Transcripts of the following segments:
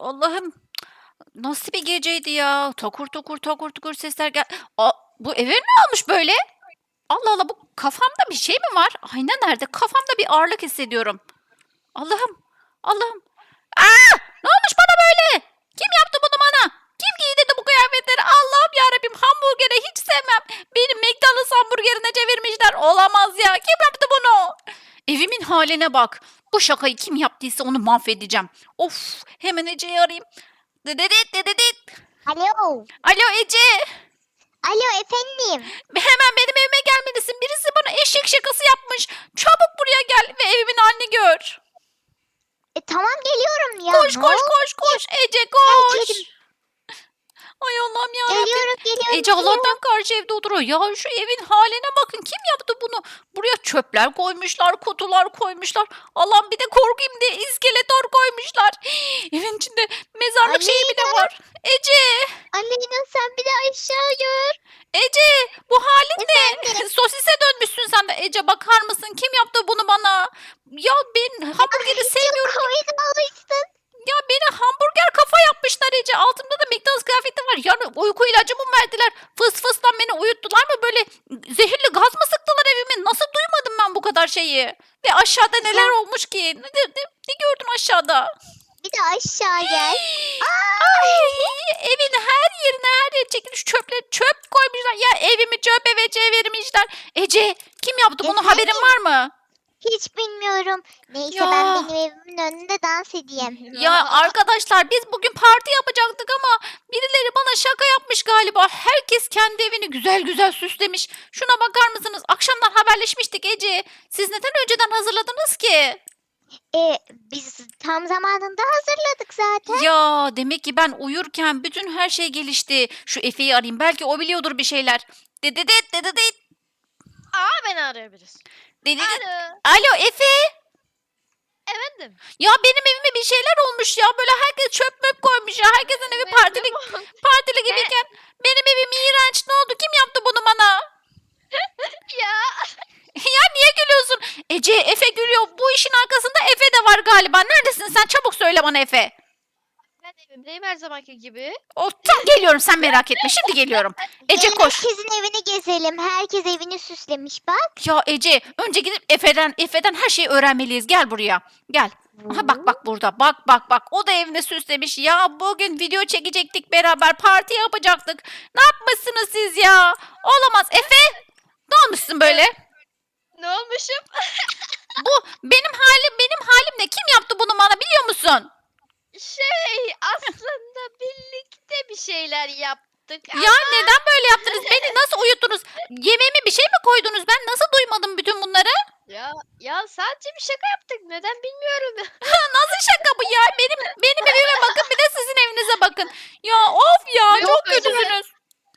Allah'ım, nasıl bir geceydi ya? Takur tukur takur tukur sesler bu eve ne olmuş böyle? Allah Allah, bu kafamda bir şey mi var? Ayna nerede? Kafamda bir ağırlık hissediyorum. Allah'ım, Allah'ım. Aa! Ne olmuş bana böyle? Kim yaptı bunu bana? Kim giydirdi bu kıyafetleri? Allah'ım yarabbim, hamburgeri hiç sevmem. Beni McDonald's hamburgerine çevirmişler. Olamaz ya. Kim yaptı bunu? Evimin haline bak. Bu şakayı kim yaptıysa onu mahvedeceğim. Of, hemen Ece'yi arayayım. Dededet dededet. Alo. Alo Ece. Alo efendim. Hemen benim evime gelmelisin. Birisi bana eşek şakası yapmış. Çabuk buraya gel ve evimin halini gör. Tamam geliyorum ya. Koş Ne koş oldu? koş koş. Ece koş. Geldim. Ay Allah'ım yarabbim. Geliyorum. Ece Allah'tan karşı evde oturuyor. Ya şu evin haline bakın. Kim yaptı bunu? Buraya çöpler koymuşlar, kutular koymuşlar. Allah'ım, bir de korkayım diye iskeletor koymuşlar. Evin içinde mezarlık şeyi bile Aleyna. var. Ece, Aleyna sen bir de aşağı gör. Ece, bu halin ne? Efendim. Sosise dönmüşsün sen de. Ece, bakar mısın? Kim yaptı bunu bana? Ya ben hamburgeri sevmiyorum. Çok komik olmuşsun. Ya beni hamburger kafa yapmışlar Ece. Altımda da McDonald's kıyafeti var. Yani uyku ilacı mı verdiler? Fıs fıstan beni uyuttular mı? Böyle zehirli gaz mı sıktılar evime? Nasıl duymadım ben bu kadar şeyi? Ve aşağıda neler olmuş ki? Ne gördün aşağıda? Bir de aşağı gel. Ay, evin her yere çekilmiş çöp koymuşlar. Ya evimi çöp eve çevirmişler. Ece, kim yaptı bunu? Efendim? Haberin var mı? Hiç bilmiyorum. Neyse Ya. ben benim evimin önünde dans edeyim. Ya arkadaşlar, biz bugün parti yapacaktık ama birileri bana şaka yapmış galiba. Herkes kendi evini güzel güzel süslemiş. Şuna bakar mısınız? Akşamdan haberleşmiştik Ece. Siz neden önceden hazırladınız ki? Biz tam zamanında hazırladık zaten. Ya demek ki ben uyurken bütün her şey gelişti. Şu Efe'yi arayayım. Belki o biliyordur bir şeyler. Dededet dededet. Beni arayabiliriz. Dededet. Alo. Alo Efe. Efendim. Ya benim evime bir şeyler olmuş ya. Böyle herkes çöp möp koymuş ya. Herkesin evi partili gibiyken. Benim evim iğrenç. Ne oldu? Kim yaptı bunu bana? Ya. Ya niye gülüyorsun? Ece, Efe gülüyor. Bu işin arkasında Efe de var galiba. Neredesin sen? Çabuk söyle bana Efe. Ben evimdeyim her zamanki gibi. Oh, tam geliyorum, sen merak etme. Şimdi geliyorum. Ece Gelin koş. herkesin evini gezelim. Herkes evini süslemiş bak. Ya Ece, önce gidip Efe'den her şeyi öğrenmeliyiz. Gel buraya. Gel. Aha bak burada. Bak. O da evini süslemiş. Ya bugün video çekecektik beraber. Parti yapacaktık. Ne yapmışsınız siz ya? Olamaz. Efe, ne olmuşsun böyle? Ne olmuşum? Bu benim halim ne? Kim yaptı bunu bana, biliyor musun? Aslında birlikte bir şeyler yaptık. Ya neden böyle yaptınız? Beni nasıl uyuttunuz? Yemeğime bir şey mi koydunuz? Ben nasıl duymadım bütün bunları? Ya sadece bir şaka yaptık. Neden bilmiyorum. Nasıl şaka bu ya? Benim evime bakın, bir de sizin evinize bakın. Ya of ya, Yok, çok öyle. kötüsünüz.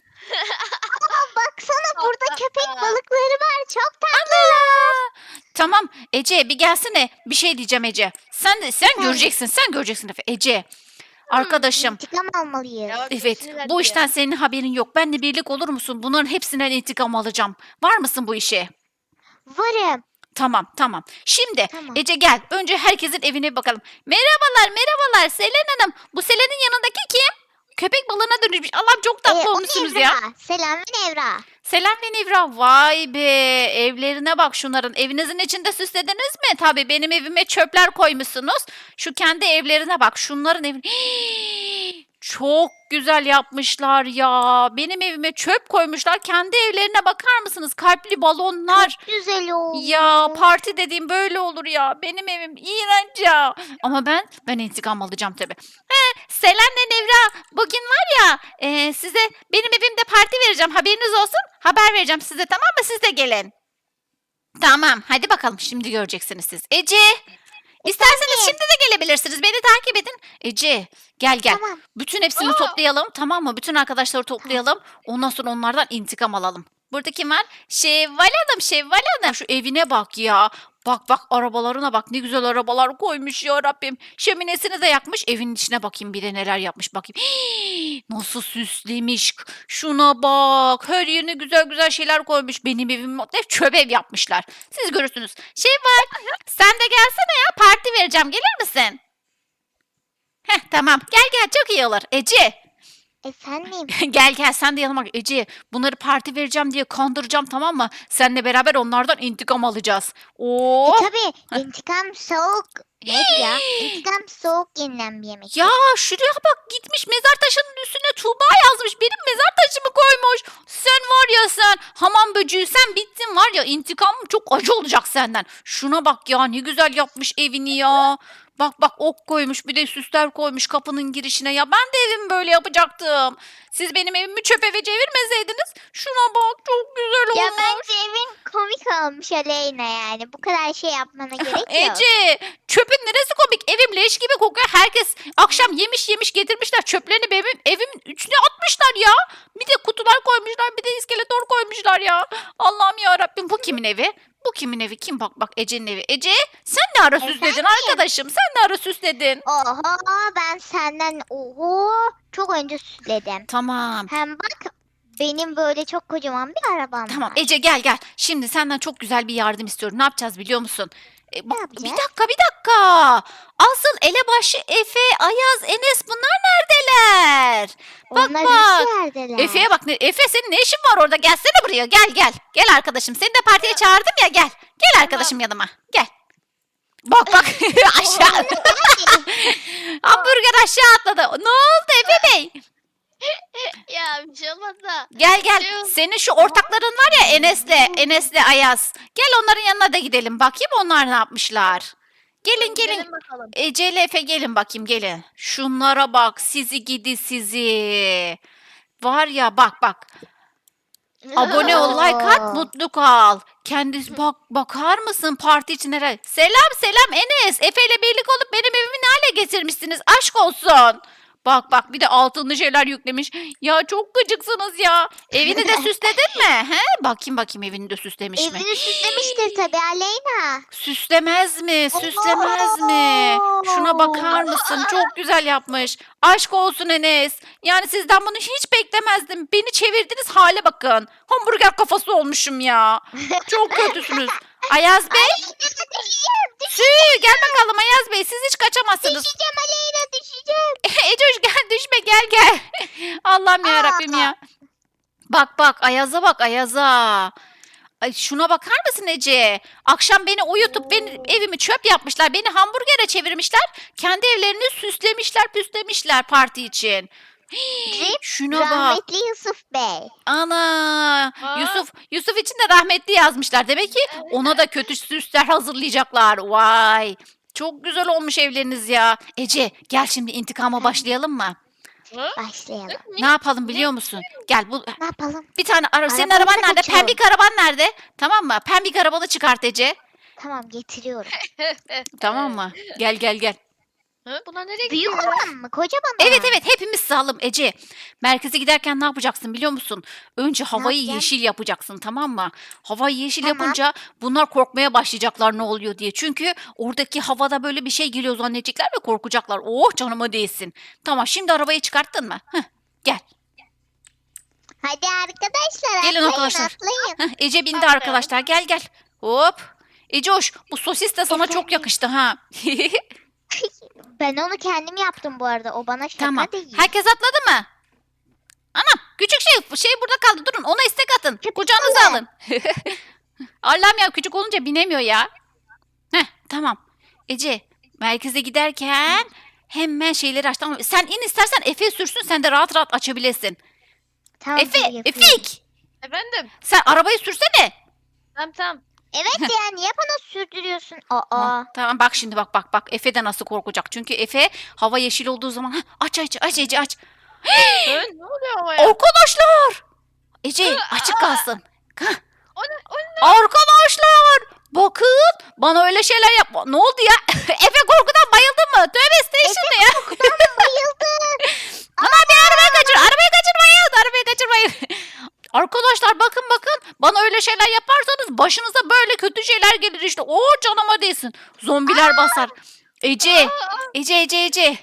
Baksana burada köpek balıkları var. Çok Tamam Ece, bir gelsene. Bir şey diyeceğim Ece. Sen göreceksin Efe. Ece. Arkadaşım. intikam almalıyız. Ya, Evet, sinirlendi bu ya. işten senin haberin yok. Benle birlik olur musun? Bunların hepsinden intikam alacağım. Var mısın bu işe? Varım. Tamam. Şimdi Tamam. Ece gel. Önce herkesin evine bakalım. Merhabalar Selen Hanım. Bu Selen'in yanındaki kim? Köpek balığına dönüşmüş. Allah'ım, çok tatlı O olmuşsunuz Nevra. ya. Selam ve Nevra. Selen ve Nevra. Vay be. Evlerine bak şunların. Evinizin içinde süslediniz mi? Tabii benim evime çöpler koymuşsunuz. Şu kendi evlerine bak. Şunların evine. Çok güzel yapmışlar ya. Benim evime çöp koymuşlar. Kendi evlerine bakar mısınız? Kalpli balonlar. Güzel oldu. Ya parti dediğim böyle olur ya. Benim evim iğrenç ya. Ama ben intikam alacağım tabii. Selen'le Nevra, bugün var ya, size benim evimde parti vereceğim. Haberiniz olsun. Haber vereceğim size, tamam mı? Siz de gelin. Tamam, hadi bakalım, şimdi göreceksiniz siz. Ece, isterseniz şimdi de gelebilirsiniz. Beni takip edin. Ece, gel. Tamam. Bütün hepsini toplayalım, tamam mı? Bütün arkadaşları toplayalım. Ondan sonra onlardan intikam alalım. Burada kim var? Şevval Hanım. Şu evine bak ya. Bak arabalarına bak, ne güzel arabalar koymuş ya Rabbim. Şöminesini de yakmış. Evin içine bakayım bir de neler yapmış bakayım. Hii, nasıl süslemiş. Şuna bak. Her yerine güzel şeyler koymuş. Benim evim hep çöp ev yapmışlar. Siz görürsünüz. Şevval, sen de gelsene ya, parti vereceğim. Gelir misin? Heh, tamam. Gel gel çok iyi olur. Ece. Efendim. Gel gel sen de yanıma gel. Ece bunları parti vereceğim diye kandıracağım tamam mı? Seninle beraber onlardan intikam alacağız. Oo. Tabii intikam soğuk. Nedir ya? İntikam soğuk yenilen bir yemek. Ya şuraya bak gitmiş mezar taşının üstüne Tuğba yazmış. Benim mezar taşımı koymuş. Sen var ya sen hamam böceği sen bittin var ya intikamım çok acı olacak senden. Şuna bak ya ne güzel yapmış evini ya. Bak bak ok koymuş bir de süsler koymuş kapının girişine ya. Ben de evimi böyle yapacaktım. Siz benim evimi çöp eve çevirmeseydiniz. Şuna bak çok güzel Ya olmuş. bence evin komik olmuş Aleyna yani. Bu kadar şey yapmana gerek yok. Ece çöpün neresi komik? Evim leş gibi kokuyor. Herkes akşam yemiş yemiş getirmişler. Çöplerini evimin içine atmışlar ya. Bir de kutular koymuşlar. Bir de iskeletor koymuşlar ya. Allah'ım ya Rabbim bu kimin evi? Bu kimin evi? Kim bak bak Ece'nin evi. Ece sen ne ara süsledin Efendim? arkadaşım? Sen ne ara süsledin? Oho ben senden çok önce süsledim. Tamam. Hem bak benim böyle çok kocaman bir arabam Tamam var. Ece gel gel. Şimdi senden çok güzel bir yardım istiyorum. Ne yapacağız biliyor musun? Bak, bir yapacağız? dakika. Asıl elebaşı Efe, Ayaz, Enes bunlar neredeler? Bak Onlar bak. nasıl yerdeler? Efe'ye bak. Efe senin ne işin var orada? Gelsene buraya. Gel gel. Gel arkadaşım. Seni de partiye çağırdım ya. Gel. Gel arkadaşım yanıma. Gel. Bak bak. Aşağı. Hamburger aşağı atladı. Ne oldu Efe Bey? Ya bir şey olmaz da. Gel gel. Yok. Senin şu ortakların var ya Enes'le Ayaz. Gel onların yanına da gidelim. Bakayım onlar ne yapmışlar. Gelin gelin. Gidelim bakalım. Ece ile Efe gelin bakayım gelin. Şunlara bak sizi gidi sizi. Var ya bak bak. Abone ol, like at, mutlu kal. Kendisi bak bakar mısın parti için herhalde. Selam selam Enes. Efe ile birlik olup benim evimi ne hale getirmişsiniz? Aşk olsun. Bak bak bir de altınlı şeyler yüklemiş. Ya çok gıcıksınız ya. Evini de süsledin mi? He? Bakayım evini de süslemiş mi? Evini süslemiştir tabii Aleyna. Süslemez mi? Süslemez mi? Şuna bakar mısın? Çok güzel yapmış. Aşk olsun Enes. Yani sizden bunu hiç beklemezdim. Beni çevirdiniz hale bakın. Hamburger kafası olmuşum ya. Çok kötüsünüz. Ayaz Bey. Sü, gel bakalım Ayaz Bey. Siz hiç kaçamazsınız. Düşeceğim Aleyna düşeceğim. Ecoş gel düşme gel. Allah'ım ya Rabbim ya. Bak Ayaz'a bak Ayaz'a. Ay şuna bakar mısın Ece? Akşam beni uyutup benim evimi çöp yapmışlar. Beni hamburgere çevirmişler. Kendi evlerini süslemişler, püslemişler parti için. Rip, Şuna bak. Rahmetli Yusuf Bey. Ana. Aa. Yusuf için de rahmetli yazmışlar. Demek ki ona da kötü süsler hazırlayacaklar. Vay. Çok güzel olmuş evleriniz ya. Ece gel şimdi intikama başlayalım mı? Hı? Başlayalım. Ne yapalım biliyor musun? Gel bu Ne yapalım? bir tane senin Arabanı araban nerede? kaçıyorum. Pembik araban nerede? Tamam mı? Pembik arabanı çıkart Ece. Tamam getiriyorum. Tamam mı? Gel. Hı? Bunlar nereye Büyük gidiyor? olan mı? Kocaman Evet olan mı? hepimiz sağlam Ece. Merkeze giderken ne yapacaksın biliyor musun? Önce havayı yapacağım? yeşil yapacaksın tamam mı? Havayı yeşil Tamam. yapınca bunlar korkmaya başlayacaklar ne oluyor diye. Çünkü oradaki havada böyle bir şey geliyor zannedecekler ve korkacaklar. Oh canıma değsin. Tamam şimdi arabayı çıkarttın mı? Heh, gel. Hadi arkadaşlar Gelin atlayın arkadaşlar. atlayın. Heh, Ece bindi Aferin. arkadaşlar gel. Hop. Ece hoş bu sosis de sana çok Efendim? yakıştı ha. Ben onu kendim yaptım bu arada. O bana şaka Tamam. değil. Herkes atladı mı? Anam küçük şey burada kaldı. Durun ona istek atın. Köpek Kucağınıza balığı. alın. Allah'ım ya küçük olunca binemiyor ya. Heh tamam. Ece merkeze giderken hemen şeyleri aç. Tamam. Sen in istersen Efe sürsün sen de rahat rahat açabilirsin. Tamam, Efe, dur, yapıyorum. Efik. Efendim? Sen arabayı sürsene. Tamam. Evet ya niye bana sürdürüyorsun? Aa. Tamam bak şimdi bak. Efe de nasıl korkacak. Çünkü Efe hava yeşil olduğu zaman aç Ece aç. Hı? Ne oluyor ama ya? Arkadaşlar. Ece açık kalsın. O ne? Arkadaşlar bakın bana öyle şeyler yapma. Ne oldu ya? Efe korkudan bayıldın mı? Tövbe station ya. Bayıldım. Ana bir arabayı kaçırmayın. Arkadaşlar bakın bana öyle şeyler yaparsanız başınıza böyle kötü şeyler gelir işte. Oo canıma değsin. Zombiler basar. Ece. Arkadaşım.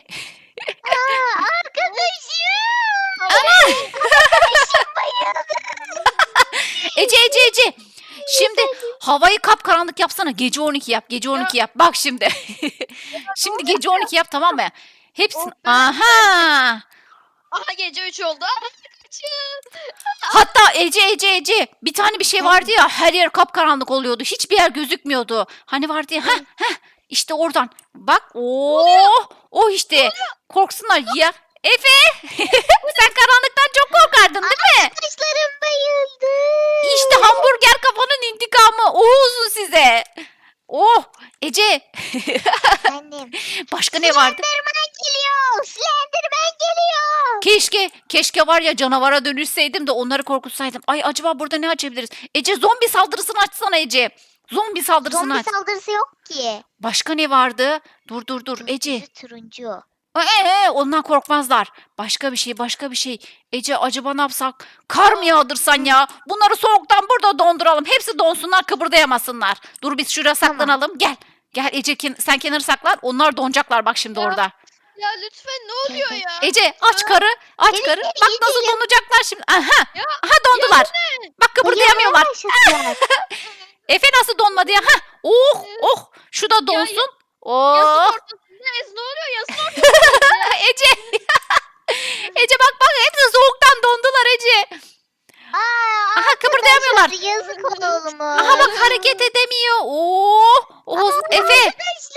Ece. Şimdi havayı kapkaranlık yapsana. Gece 12 yap. Bak şimdi. Şimdi gece 12 yap tamam mı? Hepsini. Oh be. Aha. Aha gece 3 oldu. Aa, kaçın. Hatta Ece bir tane bir şey vardı ya, her yer kapkaranlık oluyordu. Hiçbir yer gözükmüyordu. Hani vardı ya, işte oradan. Bak o işte. Korksunlar ya. Efe sen karanlıktan çok korkardın değil mi? Saçlarım bayıldı. İşte hamburger kafanın intikamı. O olsun size. Oh Ece. Annem. Başka ne vardı? Slenderman geliyor. Slenderman geliyor. Keşke var ya canavara dönüşseydim de onları korkutsaydım. Ay acaba burada ne açabiliriz? Ece zombi saldırısını açsana Ece. Zombi saldırısını Zombi aç. saldırısı yok ki. Başka ne vardı? Dur Ece. Turuncu. Ondan korkmazlar. Başka bir şey. Ece acaba ne yapsak? Kar mı yağdırsan ya? Bunları soğuktan burada donduralım. Hepsi donsunlar, kıpırdayamasınlar. Dur biz şuraya Tamam. saklanalım. Gel. Gel Ece sen kenara saklan. Onlar donacaklar bak şimdi Ya. orada. Ya lütfen ne oluyor ya? Ece aç karı. Aç Evet, karı. evet, Bak nasıl geliyorum. donacaklar şimdi. Aha. Ya, Aha dondular. Bak kıpırdayamıyorlar. Başladılar. Efe nasıl donmadı ya? Ha. Oh. Şu da donsun. Yazın Oh. ortasındayız. Ne oluyor yazın ortasındayız ya? Ece. Ece bak hepsi soğuktan dondular Ece. Aa, Aha kıpırdayamıyorlar. arkadaşlar, yazık olmuş. Aha bak hareket edemiyor. Efe.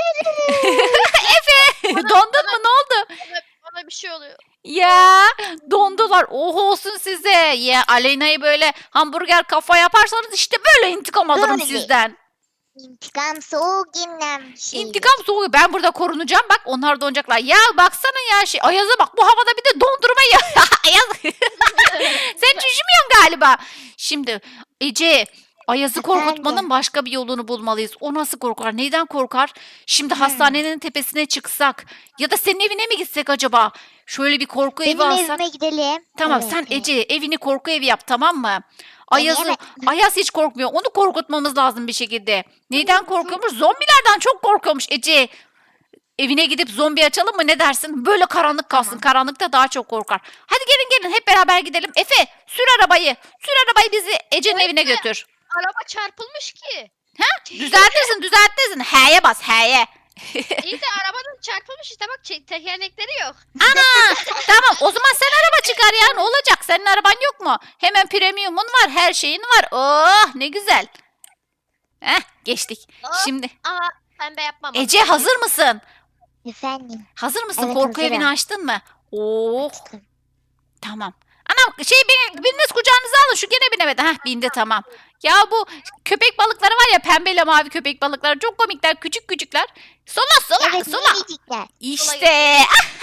Efe. Dondun mu? Ne oldu? Bana bir şey oluyor. Ya dondular. Olsun size. Ya Aleyna'yı böyle hamburger kafa yaparsanız işte böyle intikam alırım Böyle. sizden. İntikam soğuk yenilen bir şey. İntikam soğuğu. Ben burada korunacağım. Bak onlar donacaklar. Ya baksana ya Ayaz'a bak. Bu havada bir de dondurma ya. Ayaz. Sen üşümüyorsun galiba. Şimdi Ece Ayaz'ı Efendim? korkutmanın başka bir yolunu bulmalıyız. O nasıl korkar? Neyden korkar? Şimdi hastanenin tepesine çıksak ya da senin evine mi gitsek acaba? Şöyle bir korku evi Benim alsak. evime gidelim. Tamam Evet, sen evet. Ece evini korku evi yap, tamam mı? Ayaz hiç korkmuyor. Onu korkutmamız lazım bir şekilde. Neyden korkuyormuş? Zombilerden çok korkuyormuş Ece. Evine gidip zombi açalım mı, ne dersin? Böyle karanlık kalsın. Tamam. Karanlıkta daha çok korkar. Hadi gelin hep beraber gidelim. Efe sür arabayı. Sür arabayı bizi Ece'nin evine götür. Araba çarpılmış ki. Düzeltirsin. H'ye bas H'ye. İyi de arabanın çarpılmış işte bak tekerlekleri yok. Ana tamam o zaman sen araba çıkar ya, ne olacak? Senin araban yok mu? Hemen premiumun var, her şeyin var. Oh ne güzel. Geçtik. Oh. Şimdi Ama pembe yapmam. Ece hazır mısın? Efendim. Hazır mısın? Evet, Korku hazırım. evini açtın mı? Oh Açtım. tamam. Anam biriniz kucağınıza alın, şu gene binemedi. Bindi tamam. Ya bu köpek balıkları var ya, pembeyle mavi köpek balıkları çok komikler, küçükler. Sola Evet sola. minicikler. İşte.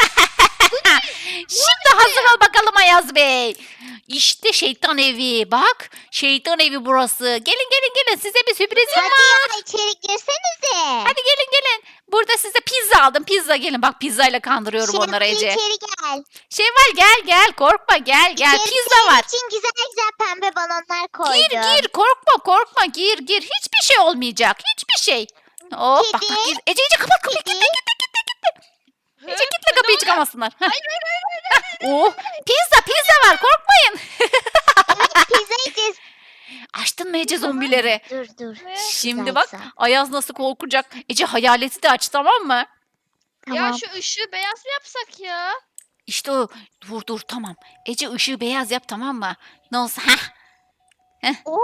Şimdi hazır ol bakalım Ayaz Bey. İşte şeytan evi. Bak şeytan evi burası. Gelin size bir sürprizim Hadi var. ya içeri girsenize. Hadi gelin. Burada size pizza aldım. Pizza gelin. Bak pizzayla kandırıyorum onları Ece. İçeri gel. Şevval gel korkma gel. İçeri Pizza senin var. için güzel pembe balonlar koydum. Gir korkma gir. Hiçbir şey olmayacak. Hiçbir şey. Oh bak Kedi. gir. Ece kapat kapıyı. Kedi. Ece kitle kapıyı çıkamazsınlar. Oh pizza var, korkmayın. Evet pizza yiyeceğiz. Açtın mı Ece zombileri? Dur. Şimdi Güzel, bak güzel. Ayaz nasıl korkacak. Ece hayaleti de aç, tamam mı? Tamam. Ya şu ışığı beyaz mı yapsak ya? İşte o. Dur tamam. Ece ışığı beyaz yap, tamam mı? Ne olsa. Oo.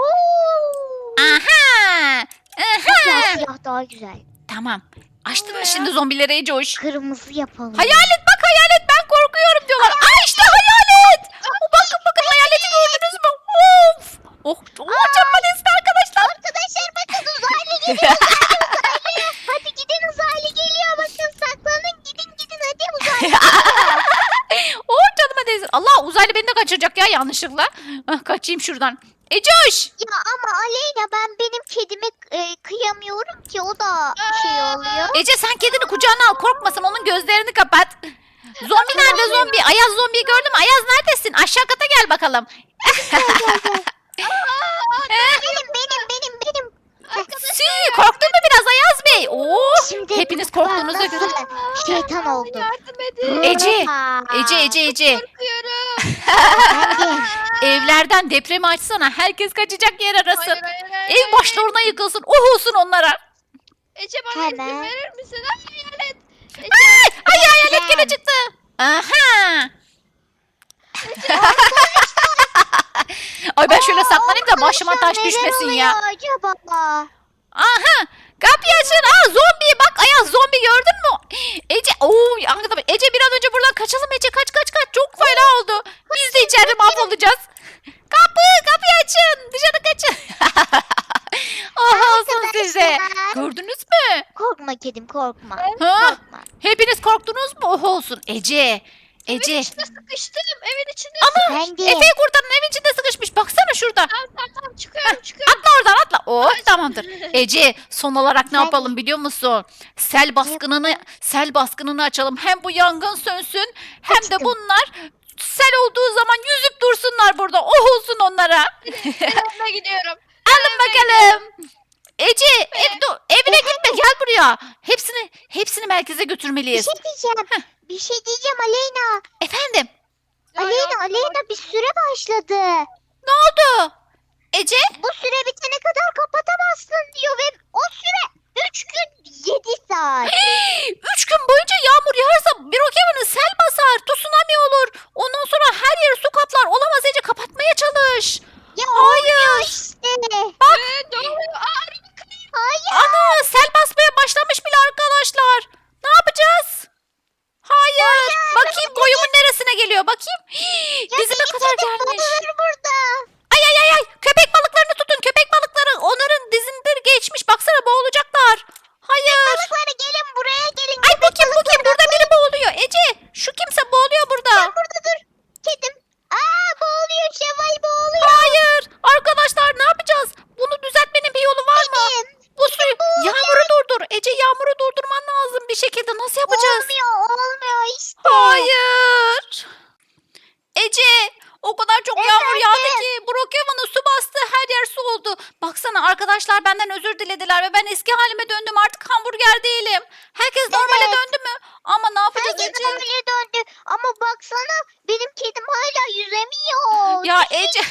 Aha. Siyah daha güzel. Tamam. Açtın mı Ya. şimdi zombileri Ece hoş? Kırmızı yapalım. Hayalet ben korkuyorum diyorlar. İşte hayalet. Bakın hayaleti gördünüz mü? Of. Çarpma desti arkadaşlar. Arkadaşlar bakın uzaylı geliyor. Uzaylı. Hadi gidin uzaylı geliyor. Bakın saklanın gidin hadi uzaylı. Canıma değsin. Allah uzaylı beni de kaçıracak ya yanlışlıkla. Kaçayım şuradan. Ece hoş. Ya ama Aleyna benim kedime kıyamıyorum ki o da şey oluyor. Ece sen kedini kucağına al, korkmasın, onun gözlerini kapat. Zombi nerede zombi? Ayaz zombiyi gördüm. Ayaz neredesin? Aşağı kata gel bakalım. Benim. Korktun mu biraz Ayaz Bey? Şimdi Hepiniz korktuğunuza bak göre. nasıl şeytan oldu. Yardım edin. Ece. Aa, Ece. Korkuyorum. Hadi. Evlerden depremi açsana. Herkes kaçacak yer arasın. Hayır. Ev başlarına yıkılsın. Olsun onlara. Ece bana izin Hemen. verir misin? Ay, hayalet. Ay hayalet gene çıktı. başıma taş düşmesin ya. Neler oluyor acaba? Aha! Kapıyı açın. Aa zombi bak Ayaz zombi gördün mü? Ece anladım. Ece bir an önce buradan kaçalım Ece kaç. Çok fena oldu. Biz de içeride mahvolacağız. Kapıyı açın. Dışarı kaçın. Oh olsun size. Arkadaşlar. Gördünüz mü? Korkma kedim korkma. Ha? Korkma. Hepiniz korktunuz mu? Oh olsun Ece. Evin Ece. içinde sıkıştım. Evin içinde Ben de. Efe'yi kurtarın evin içinde sıkışmış. Baksana şurada. Tamam çıkıyorum. Atla oradan atla. Oh tamamdır. Ece son olarak ne Ben- yapalım biliyor musun? Sel baskınını açalım. Hem bu yangın sönsün hem de Açtım. bunlar sel olduğu zaman yüzüp dursunlar burada. Oh olsun onlara. Yanına gidiyorum. Alın bakalım. Ece evine gitme gel buraya. Hepsini merkeze Bir götürmeliyiz. şey diyeceğim. Bir şey diyeceğim Aleyna. Efendim Aleyna bir süre başladı. ne oldu? Ece Bu süre bitene kadar kapatamazsın diyor ve o süre 3 gün 7 saat. 3 gün boyunca yağmur yağarsa Brookhaven'ı sel basar, tsunami olur. Ondan sonra her yeri su kaplar. Olamaz Ece kapatmaya çalış. Ya Hayır. olmuyor işte. Ne oluyor? Hayır. Ana sel basmaya başlamış bile arkadaşlar. Ne yapacağız? Hayır. Bakayım boyumun neresine geliyor bakayım. Dizime kadar gelmiş. Babalar burada. Ay. Köpek balıklarını tutun. Köpek balıkları onların dizindir geçmiş. Baksana boğulacaklar. Hayır. Balıkları gelin buraya gelin. Ay bu kim? Burada biri boğuluyor. Ece şu kimse boğuluyor burada. Burada dur. Kedim. Boğuluyor Şevval boğuluyor. Hayır. Arkadaşlar ne yapacağız? Bunu düzeltmenin bir yolu var mı? Kedim. Bu suyu yağmuru durdur. Ece yağmuru durdurman lazım bir şekilde. Nasıl yapacağız? Olmuyor işte. Hayır. Ece o kadar çok yağmur Efendim? yağdı ki Brookhaven'ı su bastı. Her yer su oldu. Baksana arkadaşlar benden özür dilediler ve ben eski halime döndüm. Artık hamburger değilim. Herkes normale Evet. döndü mü? Ama ne yapacağız Herkes Ece? normale döndü. Ama baksana benim kedim hala yüzemiyor. Ya Ece.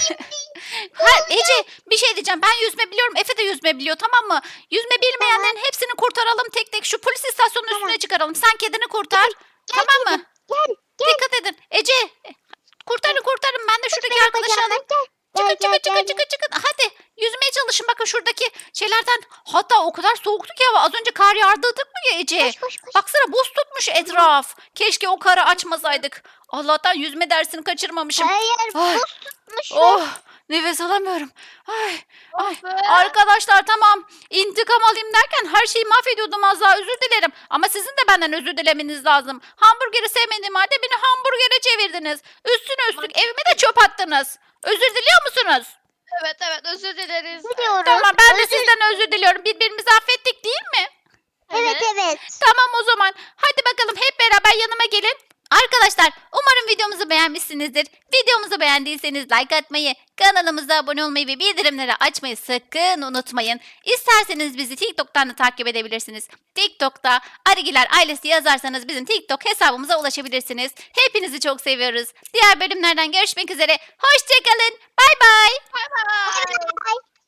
Ece bir şey diyeceğim. Ben yüzme biliyorum. Efe de yüzme biliyor tamam mı? Yüzme bilmeyenlerin hepsini kurtaralım tek tek. Şu polis istasyonunun Tamam. üstüne çıkaralım. Sen kedini kurtar. Gel tamam mı? Gel. Dikkat edin. Ece kurtarın. Ben de şuradaki Benim arkadaşı bacağımdan alayım. Gel. Çıkın. Hadi yüzmeye çalışın. Bakın şuradaki şeylerden. Hatta o kadar soğuktu ki hava. Az önce kar yağdırdık mı ya Ece? Koş. Baksana buz tutmuş etraf. Keşke o karı açmasaydık. Allah'tan yüzme dersini kaçırmamışım. Hayır Ay. buz tutmuş. Oh nefes alamıyorum. Ay. Oh be. Arkadaşlar tamam intikam alayım derken her şeyi mahvediyordum az daha özür dilerim. Ama sizin de benden özür dilemeniz lazım. Hamburgeri sevmediğim halde beni hamburgere çevirdiniz. Üstüne üstlük evime de çöp attınız. Özür diliyor musunuz? Evet özür dileriz. Biliyoruz. Tamam ben de Özür- sizden özür diliyorum. Birbirimizi affettik değil mi? Evet. Tamam o zaman. Hadi bakalım hep beraber yanıma gelin. Arkadaşlar umarım videomuzu beğenmişsinizdir. Videomuzu beğendiyseniz like atmayı, kanalımıza abone olmayı ve bildirimleri açmayı sakın unutmayın. İsterseniz bizi TikTok'tan da takip edebilirsiniz. TikTok'ta Arigiler ailesi yazarsanız bizim TikTok hesabımıza ulaşabilirsiniz. Hepinizi çok seviyoruz. Diğer bölümlerden görüşmek üzere. Hoşçakalın. Bay bay. Bye bye. Bye.